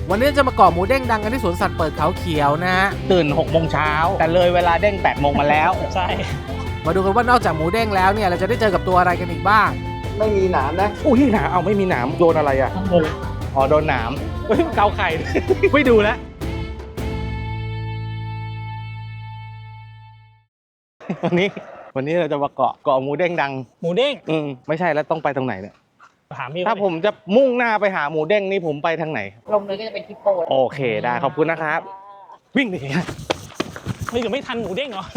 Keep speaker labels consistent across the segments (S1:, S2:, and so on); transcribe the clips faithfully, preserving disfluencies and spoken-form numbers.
S1: วันนี้จะมาเกาะหมูเด้งดังกันที่สวนสัตว์เปิดเขาเขียวนะฮะ
S2: ตื่นหกโมงเช้าแต่เลยเวลาเด้งแปดโมงมาแล้ว
S3: ใช่
S1: มาดูกันว่านอกจากหมูเด้งแล้วเนี่ยเราจะได้เจอกับตัวอะไรกันอีกบ้าง
S4: ไม่มีหนามนะ
S2: อุ้ยหนามเอาไม่มีหนามโดนอะไรอ่ะอ๋อโดนหนามเฮ้ยเกาไข่ ไม่ดูแล้ววันนี้วันนี้เราจะมาเกาะเกาะหมูเด้งดัง
S3: หมูเด้ง
S2: อืมไม่ใช่แล้วต้องไปตรงไหนเนี่ย
S3: ถามพี่
S2: ถ้าผมจะมุ่งหน้าไปหาหมูเด้งนี่ผมไปทางไหน
S5: ลงเลยก็จะเป็นฮิปโป
S2: โอเคได้ขอบคุณนะครับวิ่งดิ
S3: เฮ้ยเดี๋ยวไม่ทันหมูเด้งเหรอ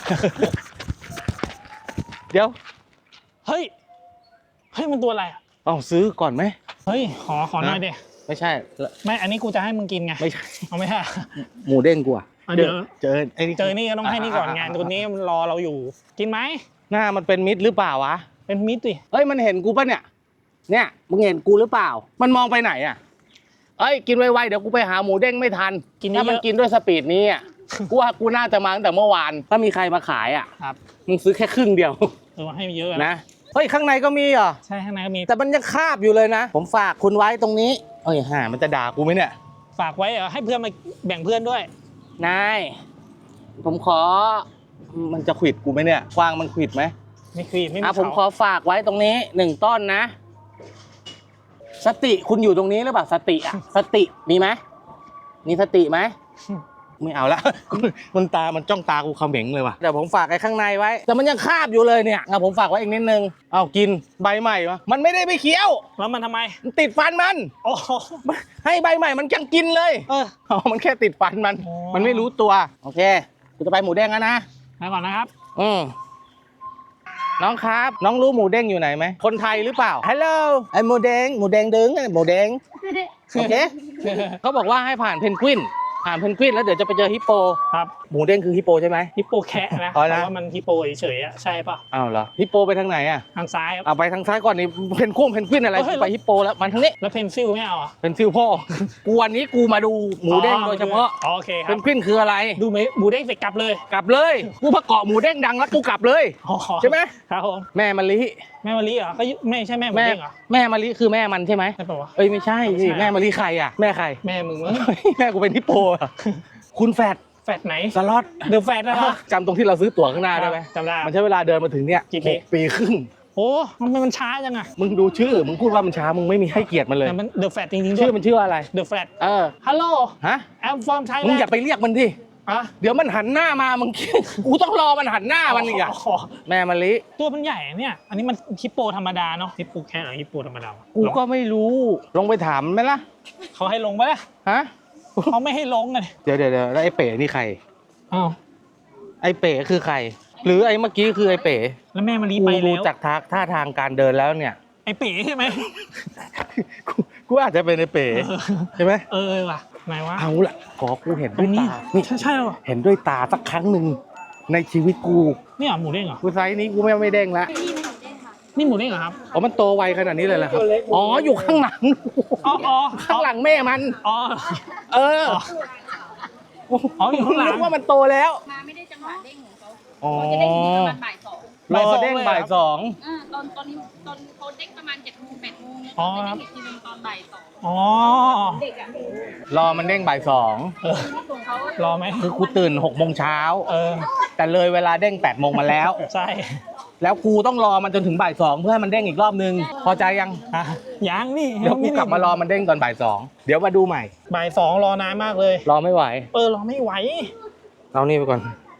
S2: เดี๋ยว
S3: เฮ้ยเฮ้ยมันตัวอะไรอ่ะ
S2: เอาซื้อก่อนไหม
S3: เฮ้ยขอขอหน่อยดิ
S2: ไม่ใช่
S3: ไม่อันนี้กูจะให้มึงกินไง
S2: ไม่ใช่
S3: เอาไม่ใช่
S2: หมูเด้งกูอ่ะ
S3: เดี๋ยว
S2: เจอไอ้
S3: เจอนี่ก็ต้องให้นี่ก่อนไงตัวนี้มันรอเราอยู่กินไหม
S2: หน้ามันเป็นมิตรหรือเปล่าวะ
S3: เป็นมิตรดิ
S2: เฮ้ยมันเห็นกูป่ะเนี่ยเนี่ยมึงเห็นกูหรือเปล่ามันมองไปไหนอ่ะเอ้ยกินไวๆเดี๋ยวกูไปหาหมูเด้งไม่ทันถ้ามันกินด้วยสปีดนี้อ่ะกูว่ากูน่าจะมาตั้งแต่เมื่อวานถ้ามีใครมาขายอ่ะ
S3: ครับ
S2: มึงซื้อแค่ครึ่งเดียว
S3: เออให้เยอะ
S2: นะเฮ้ยข้างในก็มีเหรอ
S3: ใช่ข้างในก็มี
S2: แต่มันยังคาบอยู่เลยนะผมฝากคุณไว้ตรงนี้เอ้ยห่ามันจะด่ากูไหมเนี่ย
S3: ฝากไว้เหรอให้เพื่อนมาแบ่งเพื่อนด้วย
S2: นายผมขอมันจะขวิดกูไหมเนี่ยกวางมันขวิดไหม
S3: ไม่ขวิดไม่มี
S2: อ่ะผมขอฝากไว้ตรงนี้หนึ่งต้นนะสติคุณอยู่ตรงนี้หรือเปล่าสติอ่ะสติมีไหมมีสติไหมไม่เอาละมันตามันจ้องตากูเขม็งเลยว่ะแต่ผมฝากไอ้ข้างในไว้แต่มันยังคาบอยู่เลยเนี่ยเอาผมฝากไว้อีกนิดนึงเอากินใบใหม่วะมันไม่ได้ไปเคี้ยว
S3: แล้วมันทำไม
S2: มันติดฟันมัน
S3: โอ้
S2: ให้ใบใหม่มันยังกินเลย
S3: เออ
S2: อ๋อมันแค่ติดฟันมันมันไม่รู้ตัวโอเคกูจะไปหมูเด้งแล้วนะ
S3: ไปก่อนนะครับ
S2: อืมน้องครับน้องรู้หมูเด้งอยู่ไหนไหมคนไทยหรือเปล่าฮัลโหลไอหมูเด้งหมูเด้งดึงหมูเด้งโอเคเขาบอกว่าให้ผ่านเพนกวินผ่านเพนกวินแล้วเดี๋ยวจะไปเจอฮิปโป
S3: ครับ
S2: หมูเด้งคือฮิปโปใช่ไหม
S3: ฮิปโปแคะนะแต่ว่ามันฮิปโปเฉยๆอ่ะใช่ป่ะ
S2: อ้าวเหรอฮิปโปไปทางไหนอ่ะ
S3: ทางซ้าย
S2: เอาไปทางซ้ายก่อนนี่เพนกุ้งเพนกวินอะไรไปฮิปโปแล้วมันทางนี้
S3: แล้วเพนซิลไม่เอาอ่ะ
S2: เพนซิลพ่อกูวันนี้กูมาดูหมูเด้งโดยเฉพาะ
S3: โอเคครับ
S2: เพนกวินคืออะไร
S3: ดูหมูเด้งเสร็จกลับเลย
S2: กลับเลยกูมาเกาะหมูเด้งดังแล้วกูกลับเลยใช่ไหม
S3: ครับผม
S2: แม่มะลิ
S3: แม่มะลิเหรอก็ไม่ใช่แม่หมูเด้งเหรอ
S2: แม่มะลิคือแม่มันใช่ไหม
S3: ใช่ป่าวะ
S2: เอ้ยไม่ใช่สิแม่มะลิใครอ่ะแม่ใคร
S3: แม่มึงมั้ง
S2: แม่กูเป็นฮิปโปคุณแฟด
S3: แฟดไหน
S2: สล็อต
S3: เดอะแฟดนะครับ
S2: จำตรงที่เราซื้อตั๋วข้างหน้าได้ไหม
S3: จำได้
S2: มันใช้เวลาเดินมาถึงเนี่ย
S3: กี่ปี
S2: ปีครึ่ง
S3: โอ้มันมันช้าจังอะ
S2: มึงดูชื่อมึงพูดว่ามันช้ามึงไม่มีให้เกียรติมันเลย
S3: มันเดอะแฟดจริงๆ
S2: ชื่อมันชื่ออะไร
S3: เดอะแฟด
S2: เออ
S3: ฮัลโหล
S2: ฮะ
S3: I'm from Thailand
S2: มึงอย่าไปเรียกมันดิ
S3: อ่ะ
S2: เดี๋ยวมันหันหน้ามามึงกูต้องรอมันหันหน้ามันอีกอะแม่มะลิ
S3: ตัวมันใหญ่เนี่ยอันนี้มันฮิปโปธรรมดาเนาะฮิปโปแค่ไหนฮิปโปธรรมดา
S2: กูก็ไม่รู้ลงไปถามไหมล่ะ
S3: เขาให้ลงไหมล่ะ
S2: ฮะ
S3: เขาไม่ให้ลงเลย
S2: เดี๋ยวเดี๋ยวแล้วไอ้เป๋นี่ใคร
S3: อ้าว
S2: ไอ้เป๋คือใครหรือไอ้เมื่อกี้คือไอ้เป๋
S3: แล้วแม่มะลิไปแล้ว
S2: ดูจากท่าทางการเดินแล้วเนี่ย
S3: ไอ้เป๋ใช่ไหม
S2: กูอาจจะเป็นไอ้เป๋ใช่ไหม
S3: เออว่ะไหนวะ
S2: เอาละขอกูเห็นด้วยตา
S3: นี่ใช่ใช่หรอ
S2: เห็นด้วยตาสักครั้งหนึ่งในชีวิตกู
S3: นี่หมูเด้งเหรอ
S2: กูไซส์นี้กูไม่ไม่เด้งละ
S3: นี่หมูเด้งเหรอครับ
S2: อ๋อมันโตไวขนาดนี้เลยเหรอครับอ๋ออยู่ข้างหลัง
S3: อ๋อ
S2: ข้างหลังแม่มัน
S3: อ๋อ
S2: เออ
S3: อ๋ออยู่ข้างหลัง
S2: ว่ามันโตแล้ว
S5: มาไม่ได้จังหวะเด้งของเขาเขาจะเด้งประมาณบ่ายสอง
S2: รอเด้งบ่ายสอง
S5: อ่าตอนตอนนี้ตอนเขาเด้งประมาณเจ็ดโมงแปดโมงแล้วเขาจะเด้งอีกทีนึงตอนบ่ายสอง
S3: อ๋อ
S5: เด็กอะ
S2: รอมันเด้งบ่ายสอง
S3: รอไหม
S2: คือกูตื่นหกโมงเช้า
S3: เออ
S2: แต่เลยเวลาเด้งแปดโมงมาแล้ว
S3: ใช่
S2: แล้วกูต้องรอมันจนถึงบ่ายสองเพื่อให้มันเด้งอีกรอบนึงพอใจยัง
S3: ยังนี่
S2: เดี๋ยวกูกลับมารอมันเด้งตอนบ่ายสองเดี๋ยวมาดูใหม่
S3: บ่ายสองรอนานมากเลย
S2: รอไม่ไหว
S3: เออรอไม่ไหว
S2: เอานี่ไปก่อน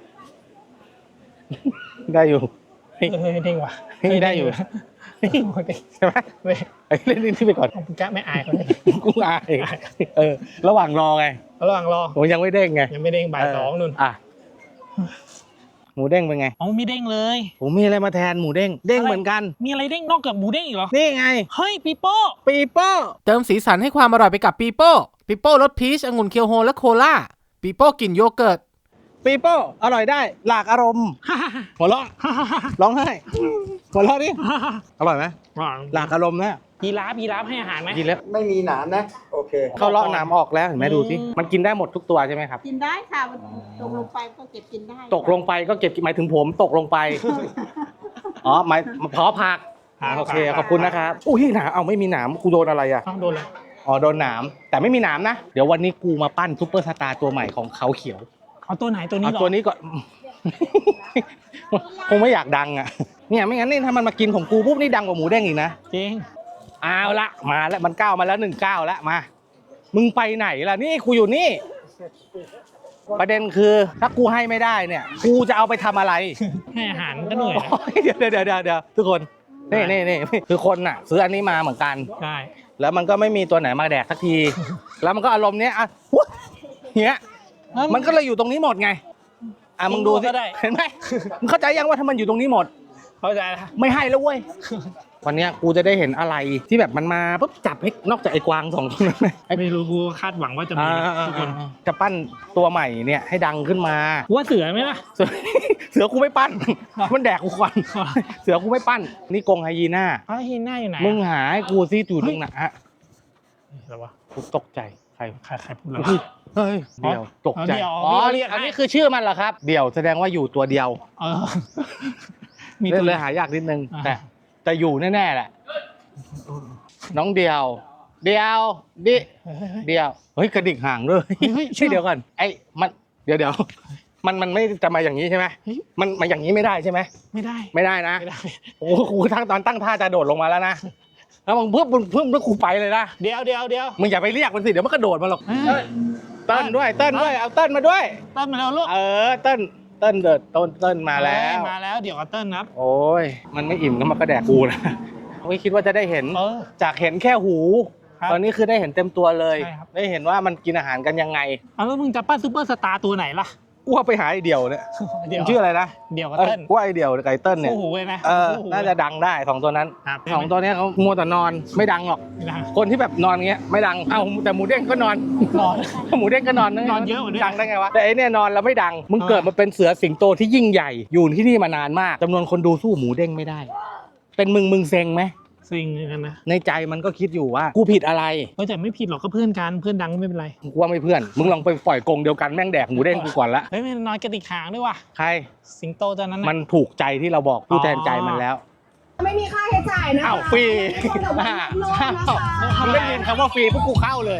S2: ได้อยู่
S3: เฮ้ยเด้งว่ะ
S2: ได้อยู่ใช่ไหมไอ้เล่นนี่ไปก่อน
S3: กูแกไม่อายคนนี้
S2: กูอายเออระหว่างรอไง
S3: ระหว่างรอ
S2: ผมยังไม่เด้งไง
S3: ยังไม่เด้งบ่ายสองนู่น
S2: อ่ะหมูเด้งเป็นไง
S3: อ๋อมีเด้งเลย
S2: ผมมีอะไรมาแทนหมูเด้งเด้งเหมือนกัน
S3: มีอะไรเด้งนอกจากหมูเด้งอีกเหรอ
S2: นี่ไง
S3: เฮ้ยปีโป้
S2: ปีโป้
S1: เติมสีสันให้ความอร่อยไปกับปีโป้ปีโป้รสพีชองุ่นเคียวโฮและโคล่าปีโป้กลิ่นโยเกิร์ต
S2: ปีโป้อร่อยได้หลากอารมณ์หัวเราะร้องไห้หัวเราะดิอร่อยไหมหลากอารมณ์นะ
S3: ยีราฟยีราฟให้อาหารไหม
S2: ยีราฟ
S4: ไม่มีหนามนะโอเค
S2: เขาเลาะหนามออกแล้วเห็นไหมดูสิมันกินได้หมดทุกตัวใช่ไหมครับ
S5: กินได้ค่ะตกลงไปก็เก็บกินได้
S2: ตกลงไปก็เก็บหมายถึงผมตกลงไปอ๋อหมายเพาะผักโอเคขอบคุณนะครับอุ้ยหนามเอาไม่มีหนามกูโดนอะไรอ่ะ
S3: โดนเลย
S2: อ๋อโดนหนามแต่ไม่มีหนามนะเดี๋ยววันนี้กูมาปั้นซุปเปอร์สตาร์ตัวใหม่ของเขาเขียว
S3: เอาตัวไหนตัวนี้
S2: เอา
S3: เหรอ
S2: ตัวนี้ก่อน คงไม่อยากดังอ่ะเนี่ยไม่งั้นนี่ถ้ามันมากินของกูปุ๊บนี่ดังกว่าหมูเด้งอีกนะ
S3: จริง
S2: เอาละมาแล้วมันก้าวมาแล้วหนึ่งก้าวแล้วมามึงไปไหนล่ะนี่กูอยู่นี่ ประเด็นคือถ้ากูให้ไม่ได้เนี่ยกูจะเอาไปทำอะไร
S3: ให้อาหารก็เหนื่อยนะ
S2: โอ้ยเดี๋ยวเดี๋ยวเดี๋ยวเดี๋ยวทุกคนนี่นี่นี่คือคนน่ะซื้ออันนี้มาเหมือนกัน
S3: ได้
S2: แล้วมันก็ไม่มีตัวไหนมาแดกสักที แล้วมันก็อารมณ์เนี้ยอ่ะวุ้ยเนี้ยมันก็เลยอยู่ตรงนี้หมดไงอ่ะมึงดูสิเห็นไหมมึงเข้าใจยังว่าถ้ามันอยู่ตรงนี้หมด
S3: เข้าใจแล้ว
S2: ไม่ให้แล้วเว้ย วันเนี้ยกูจะได้เห็นอะไรที่แบบมันมาปุ๊บจับให้นอกจากไอ้กวางสองตัวนั้นไหม
S3: ไม่รู้กูคาดหวังว่าจะมีทุกคน
S2: จะปั้นตัวใหม่เนี่ยให้ดังขึ้นมา
S3: ว่าเสือไหมล่ะ
S2: เสือ เสือกูไม่ปั้น มันแดกกูก่อนเสือกูไม่ปั้น นี่กรงไฮยีน่า
S3: อ้าวฮีน่าอยู่ไหน
S2: มึงหาให้กูซิอยู่ตรงไหนฮะ
S3: อะไรวะ
S2: กูตกใจใคร
S3: ใครใครพูดแล้ว
S2: เฮ้ยเดี่ยวตกใจ
S3: เดี่ยว
S2: อ๋อ
S3: เรียกให้
S2: อันนี้คือชื่อมันเหรอครับ เดี่ยวแสดงว่าอยู่ตัวเดียว
S3: เออมี
S2: เล่
S3: ตั
S2: น
S3: ว
S2: เลยหายากนิดนึง
S3: อ่า
S2: แต่แต่อยู่แน่ๆแหละ น้องเดียว เดียวดิ
S3: เฮ้ยเฮ้ยเฮ้ย
S2: เดียวเฮ้ยกระดิกห่างด้วย
S3: เฮ้ย
S2: ใช่เดียวกันไอ้มันเดี๋ยวเดี๋ยวมันมันไม่จะมาอย่างนี้ใช่ไหม
S3: เฮ้ย
S2: มันมาอย่างนี้ไม่ได้ใช่ไหม
S3: ไม่ได้
S2: ไม่ได้นะ
S3: ไม่ได้
S2: โอ้โหกูทั้งตอนตั้งท่าจะโดดลงมาแล้วนะแล้วมึงเพิ่มเพิ่มแล้วกูไปเลยนะ
S3: เดี๋ยวเดี๋ยวเดี๋ยว
S2: มึงอย่าไปเรียกมันสิเดี๋ยวมันกระโดดมาหรอก
S3: เฮ้ย
S2: เติ้ลด้วยเติ้ลด้วยเอาเติ้ลมาด้วย
S3: เติ้ลมาแล้วลูก
S2: เออเติ้ลเติ้ลเดิดต้นเติ้ลมาแล้ว
S3: มาแล้วเดี๋ยวกับเติ้ลนับ
S2: โอ้ยมันไม่อิ่มก็มากระแดกกูนะไม่คิดว่าจะได้เห็น
S3: เออ
S2: จากเห็นแค่หู
S3: ครับ
S2: ตอนนี้คือได้เห็นเต็มตัวเลย
S3: ใช่ครับ
S2: ได้เห็นว่ามันกินอาหารกันยังไง
S3: เอาแล้วมึงจะปั้นซูเปอร์สตาร์ตัวไหนล่ะ
S2: กูว่าไปหาไอเดี่ยวเนี่ย
S3: เดี๋ยว
S2: มันชื่ออะไรนะ
S3: เดี๋ยวกับ
S2: เออ
S3: เติ้ล
S2: กูว่าไอเดี่ยวกับไอเติ้ลเนี่ย
S3: คู่หูเลยไหม
S2: เออ
S3: คู่หู
S2: น่าจะดังได้สองตัวนั้น
S3: ครับ
S2: สองตัวเนี้ยเขามัวแต่นอนไม่ดังหรอก
S3: ไม่ได้
S2: คนที่แบบนอนเงี้ยไม่ดัง เอ้าแต่หมูเด้งก็นอน
S3: นอน
S2: หมูเด้งก็นอน
S3: นอนเยอะกว่าด้วย
S2: ดังได้ไงวะ แต่ไอเนี่ยนอนแล้วไม่ดัง มึง
S3: เออ
S2: เกิดมาเป็นเสือสิงโตที่ยิ่งใหญ่ อยู่ที่นี่มานานมากจำนวนคนดูสู้หมูเด้งไม่ได้ เป็นมึงมึงเซ็งไหม
S3: ซิงกันนะ
S2: ในใจมันก็คิดอยู่ว่ากูผิดอะไร
S3: เออแต่ไม่ผิดหรอกก็เพื่อนกันเพื่อนดังก็ไม่เป็นไร
S2: กูว่าไม่เพื่อน มึงลองไปปล่อยกรงเดียวกันแม่งแดกหมูเด้งกูก่อนละ
S3: เฮ้ยมันนอนกระดิกหางด้วยว่ะ
S2: ใคร
S3: สิงโตตัวนั้น
S2: มั
S3: นะ
S2: นถูกใจที่เราบอกผู้แทนใจมันแล้ว
S6: ไม่มีค่าใช้จ่ายนะคะ
S2: อ้าวฟรี
S6: เดี๋ยวมาลดนะคะ
S2: ทำได้ยินคำว่าฟรีพวกกูเข้าเลย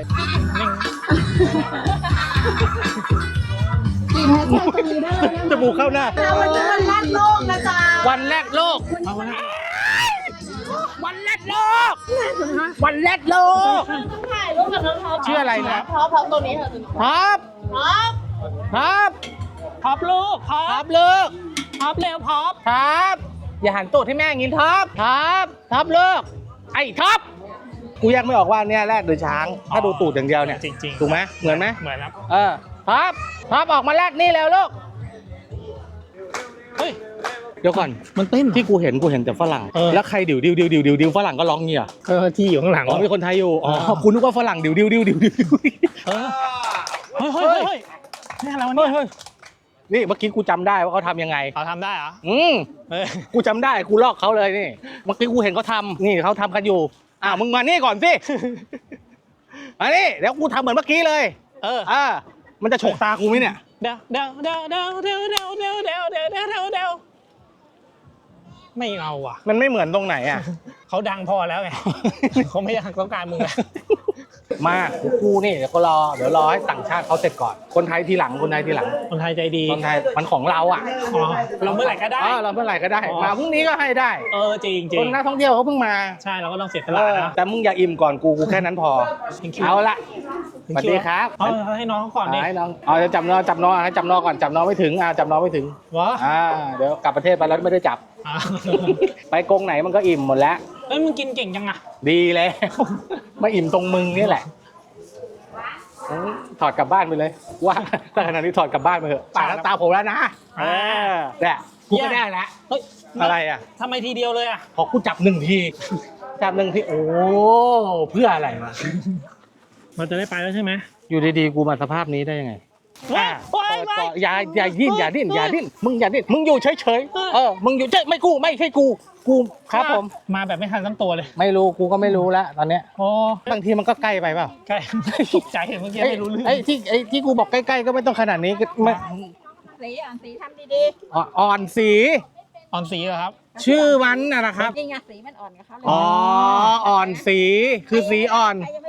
S6: กินให้ใจตรงนี้ได้เลย
S2: จมูกเข้าหน้า
S6: นะวันนี้วันแรกโลกนะจ๊ะ
S2: วันแรกโลก
S3: เอาไว้
S2: วันแรกโลก วันแรกโลก
S5: ถ่ายรูปกับน้องท็อป
S2: ชื่ออะไรนะ
S5: ท็อปท็อปตัวนี้ค่ะ
S2: ท็อป
S5: ท็อป
S2: ท็อป
S3: พอบลูกพอ
S2: ท็อป
S3: ป
S2: เลิก
S3: พอบเร็วพอบ
S2: ท็อปอย่าหันตูดให้แม่อย่างงี้ท็อปท็อปท็อปเลิกไอ้ท็อปกูแยกไม่ออกว่าเนี่ยแรกหรือช้าง ถ้าดูตูดอย่างเดียวเนี่ย
S3: จริงๆ
S2: ถูกไหมเหมือนไหม
S3: เหมือนครับ
S2: เออท็อปท็อปออกมาแรกนี่แล้วลูก
S3: เฮ้ย
S2: เดี๋ยวก่อน
S3: มันเต้น
S2: ที่กูเห็นกูเห็นแต่ฝรั่ง
S3: เออ
S2: แล้วใครดิวดิวดิวดิวดิวดิวฝรั่งก็ร้องเงี้ย
S3: เออที่อยู่ข้างหลัง
S2: อ๋อมีคนไทยอยู่อ๋อ
S3: เออ
S2: คุณนึกว่าฝรั่งดิวดิวดิวดิวดิว
S3: เออเฮ้ยเฮ้ยเฮ้ยเฮ้ยนี่อะไรวะเนี่ย
S2: เฮ้ยนี่เมื่อกี้กูจำได้ว่าเขาทำยังไง
S3: เขาทำได้เหรอ
S2: อืม
S3: เฮ้ย
S2: กูจำได้กูลอกเขาเลยนี่เมื่อกี้กูเห็นเขาทำนี่เขาทำกันอยู่อ่ามึงมานี่ก่อนสิมานี่เดี๋ยวกูทำเหมือนเมื่อกี้เลย
S3: เออ
S2: อ่ามันจะฉกตากูไหมเนี่ย
S3: เดี๋ยวเดี๋ยวเดี๋ยวเดี๋ยวเดี๋ยวเดี๋ยวเดี๋ยวเดี๋ยวเดี๋ยวเดี๋ยวเดี๋ยวเดี๋ยวไม่เอาว่ะ
S2: มันไม่เหมือนตรงไหนอ่ะ
S3: เขาดังพอแล้วไง เขาไม่อยากต้องการมึงแล้ว
S2: มากูนี่เดี๋ยวก็รอเดี๋ยวรอให้ต่างชาติเขาเสร็จก่อนคนไทยทีหลังคนไทยทีหลัง
S3: คนไทยใจดี
S2: คนไทยมันของเราอ่ะ
S3: อ๋อเราเมื่อไหร่ก็ได้
S2: เออเราเมื่อไหร่ก็ได้
S3: อ๋อ
S2: มาพรุ่งนี้ก็ให้ได้
S3: เออจริงจริ
S2: ค
S3: ง
S2: นนักท่องเที่ยวเขาเพิ่งมา
S3: ใช่เราก็ต้องเสียส
S2: เอ
S3: ละ
S2: อ
S3: นะ
S2: แต่มึงอย่าอิ่มก่อนกูกูแค่นั้นพอ
S3: Thank you
S2: เอาละสวัสดีครับ
S3: เอาให้น้องเขาก่อนดิ
S2: อ่าให้น้องเอาจะจับน้องจับน้องให้จับน้องก่อนจับน้องไม่ถึงอ่าจับน้องไม่ถึง
S3: วะ
S2: อ่าเดี๋ยวกลับประเทศไปแล้วไม่ได้จับ
S3: อ่ะ
S2: ไปกรงไหนมันก็อิ่มหมดแล้ว
S3: เอ้ยมึงกินเก่งจังอะ
S2: ดีแล้ว มาอิ่มตรงมึงนี่แหละอืมถอดกลับบ้านไปเลยว่าถ้าขนาดนี้ถอดกลับบ้านไปเถอะป่าแล้วตาผมแล้วนะเออเนี่ยกูก็ได้แล้ว
S3: เฮ้ย
S2: อะไรอ่ะ
S3: ทำไมทีเดียวเลยอะ
S2: พอกูจับหนึ่งทีจับหนึ่งทีโอ้เพื่ออะไรวะ
S3: เราจะได้ไปแล้วใช่ไหม
S2: อยู่ดีๆกูมาสภาพนี้ได้ยังไง
S3: ว้า
S2: อ่ะ
S3: ว้าย
S2: เปิด
S3: ว้า
S2: ก่อย นอย่าอย่าดิ้นอย่าดิ้นอย่าดิ้นมึงอย่าดิ้นมึงอยู่เฉยๆเออมึงอยู่เฉยไม่กูไม่ใช่กูกูครับผม
S3: มาแบบไม่ทันตั้งตัวเลย
S2: ไม่รู้กูก็ไม่รู้แล้วตอนเนี้ย
S3: โอ้
S2: บางทีมันก็ใกล้ไปเปล่า
S3: ใกล้ตกใจเมื่อกี้
S2: ไอ้
S3: ไม่รู้เรื่อง
S2: ไอ้ที่ไอ้ที่กูบอกใกล้ๆก็ไม่ต้องขนาดนี้ก็ไม่
S5: สีอ่อนสีทำดี
S2: อ่อนอ่อนสี
S3: อ่อนสีเหรอครับ
S2: ชื่อมันนะนะครับ
S5: ๆนี่ไงสีมันอ่อนกับเขาเลย
S2: อ๋ออ่อนสีคือสีอ่อน
S5: ใครยังไม่ได้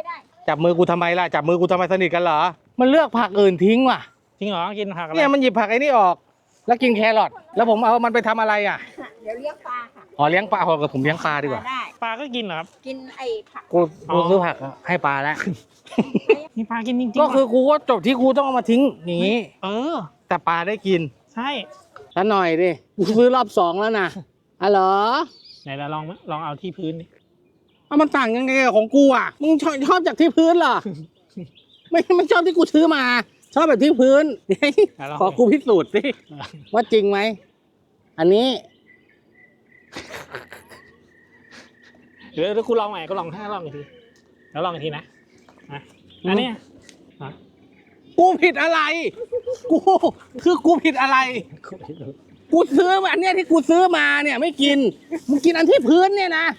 S2: จับมือกูทำไมล่ะจับมือกูทำไมสนิทกันเหรอมันเลือกผักอื่นทิ้งว่ะ
S3: จริงเหรอกินผักอะไร
S2: เนี่ยมันหยิบผักไอ้นี่ออก แล้วกินแครอทแล้วผมเอามันไปทำอะไรอ่ะ
S6: เดี๋ยวเรียกปลาค่ะ
S2: อ๋อเลี้ยงปลาพอกับผมเลี้ยงปลาดีกว่า
S6: ได้
S3: ปลาก็กินเหรอครับ
S6: กินไอ้ผัก
S2: กูกูซื้อผักให้ปลาแล้ว
S3: มีปลากินจริงๆ
S2: ก็คือ
S3: เหร
S2: กูก็จบที่กูต้องเอามาทิ้งอย่างนี้
S3: เออ
S2: แต่ปลาได้กิน
S3: ใช่
S2: แล้วหน่อยดิกูซื้อรอบสองแล้วนะอ๋อเหรอ
S3: ไหนเราลองลองเอาที่พื้นดิ
S2: เอามันต่างยังไงกับของกูอ่ะ มึงชอบชอบจากที่พื้นเหรอ ไม่ไม่ชอบที่กูซื้อมา ชอบแบบที่พื้น ขอกูพิสูจน์สิว่าจริงไหม อันนี้
S3: เดี๋ยวเดี๋ยวกูลองใหม่กูลองให้ลองอีกทีแล้วลองอีกทีนะนะอันเนี้ย
S2: กูผิดอะไร กูคือกูผิดอะไร กูซื้อมาอันเนี้ยที่กูซื้อมาเนี่ยไม่กิน มึงกินอันที่พื้นเนี่ยนะ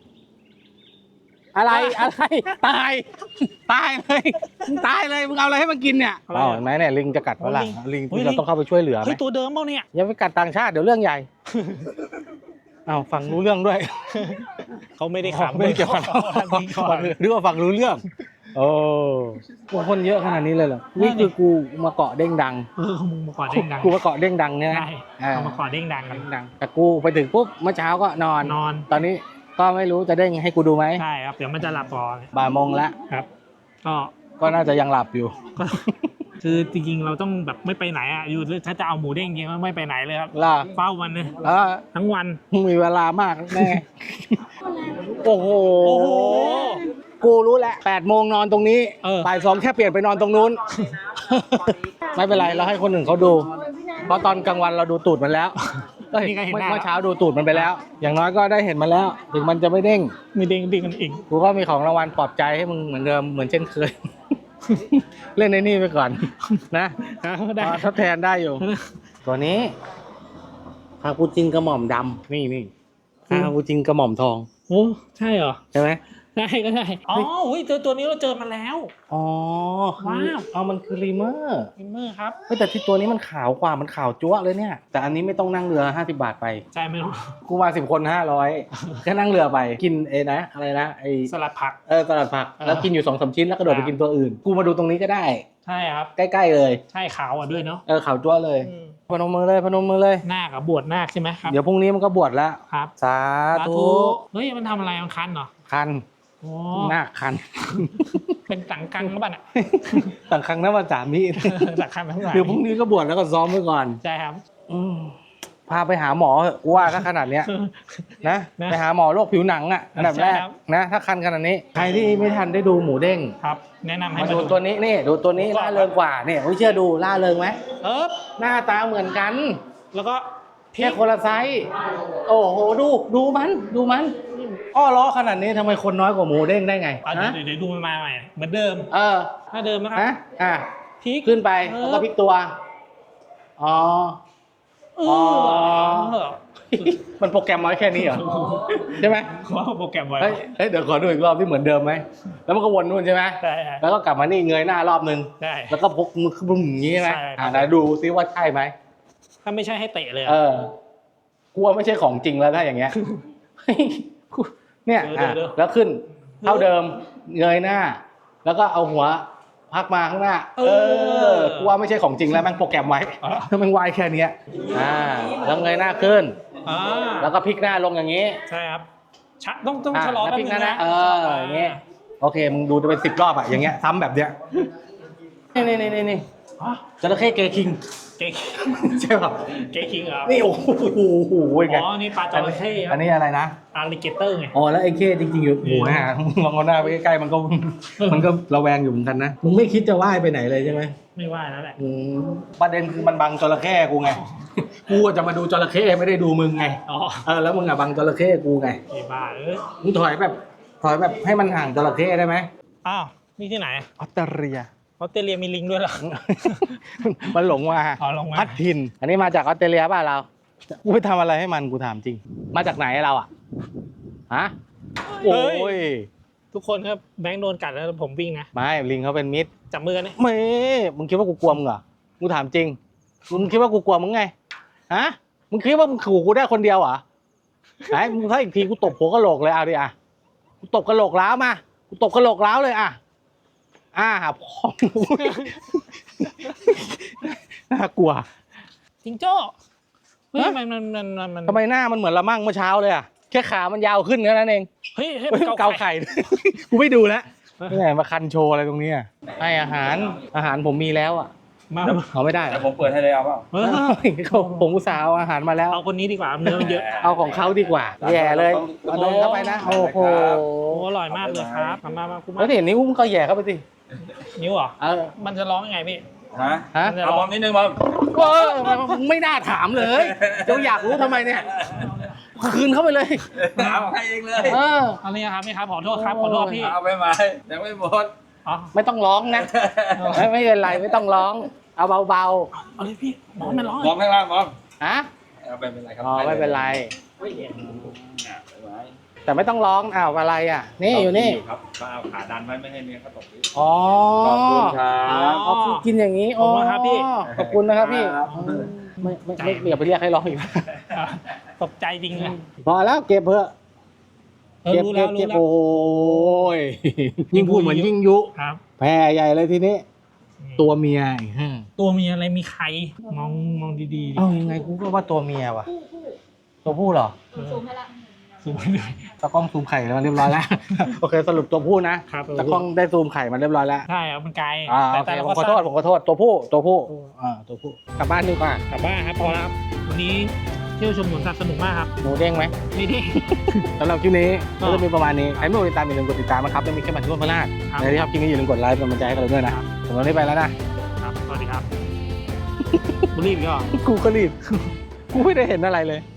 S2: อะไรอะไร ตาย ตายเลยมึงตายเลย มึงเอาอะไรให้มันกินเนี่ยอ๋อเห็นไหมเนี่ยลิงจะกัดฝรั่งลิงเราต้องเข้าไปช่วยเหลือไหม
S3: เฮ้ยตัวเดิมเปล่าเนี่ย
S2: อย่าไปกัดต่างชาติเดี๋ยวเรื่องใหญ่ อ้าวฟังรู้เรื่องด้วย
S3: เขาไม่ได้ขำ
S2: ไม่ได้เกี่ยวกับ
S3: ก่อน
S2: หรือว่าฟังรู้เรื่อง โอ้กูคนเยอะขนาดนี้เลยเหรอ นี่คือกูมาเกาะเด้งดัง
S3: เออมึงมาก่อนเด้งดัง
S2: กูมาเกาะเด้งดังเนี่ยนะ
S3: ใช่
S2: อ่า
S3: เอามาก่อนเด้งดังกัน
S2: เด้งดัง แต่กูไปถึงปุ๊บเมื่อเช้าก็นอน
S3: นอน
S2: ตอนนี้ก็ไม่รู้จะเด้งให้กูดูไหม
S3: ใช่ครับเดี๋ยวมันจะหลับก่อน
S2: บ่ายโมงละ
S3: ครับ ก็
S2: ก็น่าจะยังหลับอยู่
S3: ก็คือจริงๆเราต้องแบบไม่ไปไหนอ่ะอยู่ถ้าจะเอาหมูเด้งจริงๆไม่ไปไหนเลยครับ
S2: ล่ะ
S3: เฝ้ามันเลย
S2: เออ
S3: ทั้งวัน
S2: มีเวลามากแน่ โอ้โห
S3: โอ้โห
S2: กูรู้แล้วแปดโมงนอนตรงนี้
S3: เออ
S2: บ่ายสองแค่เปลี่ยนไปนอนตรงนู้น ไม่เป็นไรเราให้คนอื่นเขาดู เพราะตอนกลางวันเราดูตูดมันแล้วเอ้ย
S3: นี่ก็เห็น
S2: เมื่อ
S3: หน้า
S2: เมื่อเช้าดูตูดมันไปแล้ว อย่างน้อยก็ได้เห็นมันแล้ว ถึงมันจะไม่เด้ง
S3: มีเด้งเด้งกันอีก
S2: กูก็มีของรางวัลปลอบใจให้มึงเหมือนเดิมเหมือนเช่นเคย เล่นในนี่ไปก่อน นะ
S3: ได้
S2: พอทดแทนได้อยู่ ตัวนี้คาปูจินกระหม่อมดำนี่นี่คาปูจินกระหม่อมทอง
S3: โอ้ใช่เหรอ
S2: ใช่ไหม
S3: ได้ก็ได้อ๋ออุ้ยตัวตัวนี้เราเจอมาแล้ว
S2: อ๋อ
S3: ว้าว
S2: เอามันคือรีเมอร์
S3: พิมเมอร์ครับ
S2: เฮ้ยแต่ที่ตัวนี้มันขาวกว่ามันขาวจั๊วะเลยเนี่ย แต่อันนี้ไม่ต้องนั่งเรือห้าสิบบาทไป
S3: ใช่ไหมลูก
S2: กูมาสิบคนห้าร้อยแค่นั่งเรือไป กินเอนะ อะไรนะไอ
S3: สลัดผัก
S2: เออตลาดผัก
S3: เออ
S2: แล้วกินอยู่สองสามชิ้นแล้วกระโดดไปกินตัวอื่น กูมาดูตรงนี้ก็ได้
S3: ใช่ครับ
S2: ใกล้ๆเลย
S3: ใช่ขาวอ่ะด้วยเนาะ
S2: เออขาวจั๊วเลย
S3: อืม
S2: พนมมือเลยพนมมือเลย
S3: นาคกับบวชนาคใช่ไหมครับ
S2: เดี๋ยวพรุ่งนี้มันก็บวชแล้ว
S3: ครับ
S2: สาธุ
S3: เฮ้ยมันทำอะไรมันคันเหรอ
S2: คัน
S3: โอ้
S2: หน้าคัน
S3: เป็นตังกังหรือเปล่าเนี่ย
S2: ต่างครั้งน้ำมันสามนี่
S3: ตังกังทั้งหลาย
S2: เดี๋ยวพรุ่งนี้ก็บวชแล้วก็ซ้อมไว้ก่อน
S3: ใช่ครับ
S2: อืมพาไปหาหมอเถอะกูว่าถ้าขนาดเนี้ย นะ
S3: นะ
S2: ไปหาหมอโรคผิวหนังอ่ะอันดับแรก
S3: ใช่ครับ
S2: นะ ถ้าคันขนาดนี้ ใครที่ไม่ทันได้ดูหมูเด้ง
S3: ครับ แนะนำให้
S2: มา
S3: มา
S2: ดู
S3: ดู
S2: ตัวนี้นี่ดูตัวนี้ล่าเริงกว่าเนี่ยไม่เชื่อดูล่าเริงไหม
S3: เออ
S2: หน้าตาเหมือนกัน
S3: แล้วก็พริ
S2: แค่
S3: ก
S2: คนละไซส์โอ้โหดูดูมันดูมันอ้อล้อขนาดนี้ทำไมคนน้อยกว่าหมูเด้งได้ไง
S3: เอาเดี๋ย
S2: ฮะ
S3: วเดี๋ยวดูมันมาใหม่เหมือนเดิม
S2: เออ
S3: ถ้าเดิมนะครับ
S2: ฮะอ่ะ
S3: พริก
S2: ขึ้นไป
S3: เออ
S2: แล้วก็พลิกตัวอ๋อ
S3: เอ
S2: อ๋อ
S3: อ
S2: มันโปรแกรมมาไว้แค่นี้เหรอใช่ไหม
S3: ว่าโปรแกรมไว้
S2: เฮ้ยเฮ้ยเดี๋ยวขอดูอีกรอบที่เหมือนเดิมไหมแล้วมันก็วนนู่นใช่ไหม
S3: ได้
S2: แล้วก็กลับมานี่เงยหน้ารอบนึง
S3: ได้
S2: แล้วก็พกมือขึ้นอย่างนี้ใช่ไหม
S3: ใช่ครับ
S2: อ่าไหนดูซิว่าใช่ไหม
S3: ถ้าไม่ใช่ให้เตะเลย
S2: เออกลัวไม่ใช่ของจริงแล้วถ้าอย่างเงี้ยเฮ้ยกูเนี่ยอ่ะแล้วขึ้นเท่าเดิมเงยหน้า แล้วก็เอาหัวพักมาข้างหน้า เออกลัวไม่ใช่ของจริงแล้วแม่งโปรแกรมไว้ถ้ามันวายแค่เนี้ยอ่าแล้วเงยหน้าขึ้น
S3: อ่า
S2: แล้วก็พลิกหน้าลงอย่างนี้
S3: ใช่ครับชะต้องต้อง
S2: อ่ะ
S3: ชะลอ
S2: แล้ว
S3: แป๊บ
S2: พลิก
S3: นึ
S2: ห
S3: ง
S2: น้า
S3: นะ
S2: นะเอออย่างเงี้ยโอเคมึงดูจะเป็นสิบรอบอะอย่างเงี้ยซ้ำแบบเนี้ยนี่นี่นี่นี่
S3: อ๋อ
S2: จระเข้เกคิง
S3: เก๊ก
S2: ใช่ป่ะ
S3: เก๊กคิงเหรอ
S2: นี่โอ้โหโอ้โหไง
S3: อ๋อนี่ปลาจระเข้ค
S2: อั
S3: รับ
S2: นนี้อะไรนะ
S3: อาริเกเตอร์ไง
S2: อ๋อแล้วไอ้เข้จริงๆอยู่โอ้โหฮะลองเอาหน้าไปใกล้ๆมันก็ มันก็ระแวงอยู่เหมือนกันนะมึงไม่คิดจะว่ายไปไหนเลยใช่ไหม
S3: ไม่ว่าแล้วแหละ
S2: อืมประเด็นคือมันบังจระเข้กูไงกูจะมาดูจระเข้ไม่ได้ดูมึงไง
S3: อ๋อ
S2: เออแล้วมึงอะบังจระเข้กูไง
S3: ไอ้บ้าเอ้ย
S2: มึงถอยแบบถอยแบบให้มันห่างจระเข้ได้ไหม
S3: อ้าวนี่ที่ไหน
S2: ออสเตรเลีย
S3: ออสเตรเลียมีลิงด้วยเหรอ
S2: มันหลงมา
S3: อ๋อลงมา
S2: พัดถิ่นอันนี้มาจากออสเตรเลียป่ะเรา กูไปทำอะไรให้มันกูถามจริง มาจากไหนเราอ่ะ ฮะ โอ้ย
S3: ทุกคนครับแบงค์โดนกัดแล้วผมวิ่งนะ
S2: ไม่ ลิงเขาเป็นมิตร
S3: จับมือกันเนี่ย
S2: ไม่ มึงคิดว่ากูกลัวมึงเหรอ กูถามจริง มึงคิดว่ากูกลัวมึงไง ฮะ มึงคิดว่ามึงขู่กูได้คนเดียวเหรอไอ้มึงถ้าอีกทีกูตบหัวกะโหลกเลยเอาดิอ่ะ กูตบกะโหลกล้าวมา กูตบกะโหลกล้าวเลยอ่ะอ้าพอง น่ากลัว
S3: จิงโจ้เฮ้ยมันมันมันมันมัน
S2: ทำไมหน้ามันเหมือนละมั่งเมื่อเช้าเลยอ่ะแค่ขามันยาวขึ้นแค่นั้นเอง
S3: เฮ้ยเฮ้ย
S2: เฮ้ย
S3: มัน
S2: เกา
S3: เกา
S2: ไข่
S3: ไข่
S2: กูไม่ดูแล้วนี่ไงมาคันโชว์อะไรตรงนี้อะให้อาหารอาหารผมมีแล้วอ่ะ
S3: มา
S2: เอาไม่ได้เหร
S7: แต่
S2: อ
S7: ผมเปิดให้เลยเอาเปล่า
S3: เออ
S2: เขาผมอุตส่าห์เอาอาหารมาแล้ว
S3: เอาคนนี้ดีกว่าเนื้อมันเยอะ
S2: เอาของเขาดีกว่าแย่เลยเอาโดนเข้าไปนะโอ้โห
S3: โอ้อร่อยมากเลยครับมามามาคุณ
S2: แล้วเห็นนิ้วมึงก็แย่เข้าไปสิ
S3: นิ้วเหรอ
S2: เออ
S3: มันจะร้องยังไงพี่
S7: ฮะ
S2: ฮะ
S3: มันจะ
S7: เอา
S3: ร้
S7: บ
S3: อ
S7: อง มนิดนึงบอม
S2: เออมึงไม่น่าถามเลยเดี๋ยวอยากรู้ทำไมเนี่ยคืนเข้าไปเลย
S7: เอาให้เองเลย
S2: เออ
S3: เอานี่ครับนี่ครับขอโทษครับขอโทษพี่
S7: เอาไปไหมยังไม่หมด
S3: อ๋อ
S2: ไม่ต้องร้องนะไม่ไม่เป็นไรไม่ต้องร้อง เอาเบา
S3: เอาเลยพี่บอมมันร้อง
S7: บอมข้างล่างบอม
S2: ๆฮะ
S7: เอาไปเป็นไรครับ
S2: อ๋อไม่เป็นไร
S7: เนี่ยไปไหม
S2: แต่ไม่ต้องร้องอ้าวอะไรอ่ะ นี่อยู่นี่
S7: ครับก็เอาขาดันไว้ไม่ให้เนื้อเขาตกพื้น
S2: อ๋อ
S7: ขอบคุณครั
S2: อ๋
S7: บ
S2: อกินอย่างนี้
S3: ขอบคุณครับพี่
S2: ขอบคุณนะครับพี่
S7: ครับ
S2: ไม่ไม่ไม่ไม่อย่าไปเรียกให้ร้องอีก
S3: ตกใจจริงเลย
S2: พอแล้วเก็บเถอะ
S3: เออ
S2: เก็บ
S3: รู้แล้
S2: เก็
S3: ว
S2: บ
S3: รู้
S2: เก็บ
S3: แล้ว
S2: โอ้ยยิ่งพูดเหมือนยิ่งยุ
S3: ครับ
S2: แพ้ใหญ่เลยทีนี้ ตัวเมียอีกฮะ
S3: ตัวมีอะไรมีใครมองมองดีๆดิ
S2: เอ้ายังไงกูก็ว่าตัวเมียว่ะ ตัวผู้เหรอ
S6: ซูมให้ละ
S3: สูงไปเลย
S2: ตากล้องซูมไข่มาเรียบร้อยแล้ว โอเคสรุปตัวผู้นะครับ ตากล้องได้ซูมไข่มาเรียบร้อยแล้ว
S3: ใช่ครับมันไกล
S2: อ่า
S3: แต่
S2: โอเค
S3: แต่เรา
S2: ผม
S3: ก็
S2: ขอโทษ
S3: ทราบ
S2: ผมขอโทษตัวผู้ตัวผู้อ่าตัวผู้กลับบ้านดีกว่า
S3: กลับบ้านครับพอแล้วครับวันนี้เที่ยวชมสวนสัตว์สนุกมากครับ
S2: หนูเด้งไหม
S3: นี่ที่
S2: สำหรับคลิปนี้
S3: ก็
S2: ก็จะมีประมาณนี้ใครไม่กดติดตามอย่าลืมกดติดตามนะครับแล้วมีแค่บันทึกพลาด
S3: ครับ
S2: ใครที่ชอบคลิปนี้อย่าลืมกดไลค์เป็นกำลังใจให้กันเราด้วยนะครับ สำหรับวันนี้ไปแล้วนะ
S3: ครับสวัสดีครับบุรีบอีกเหรอ
S2: กูก็รีบ กูไม่ได้เห็นอะไรเลย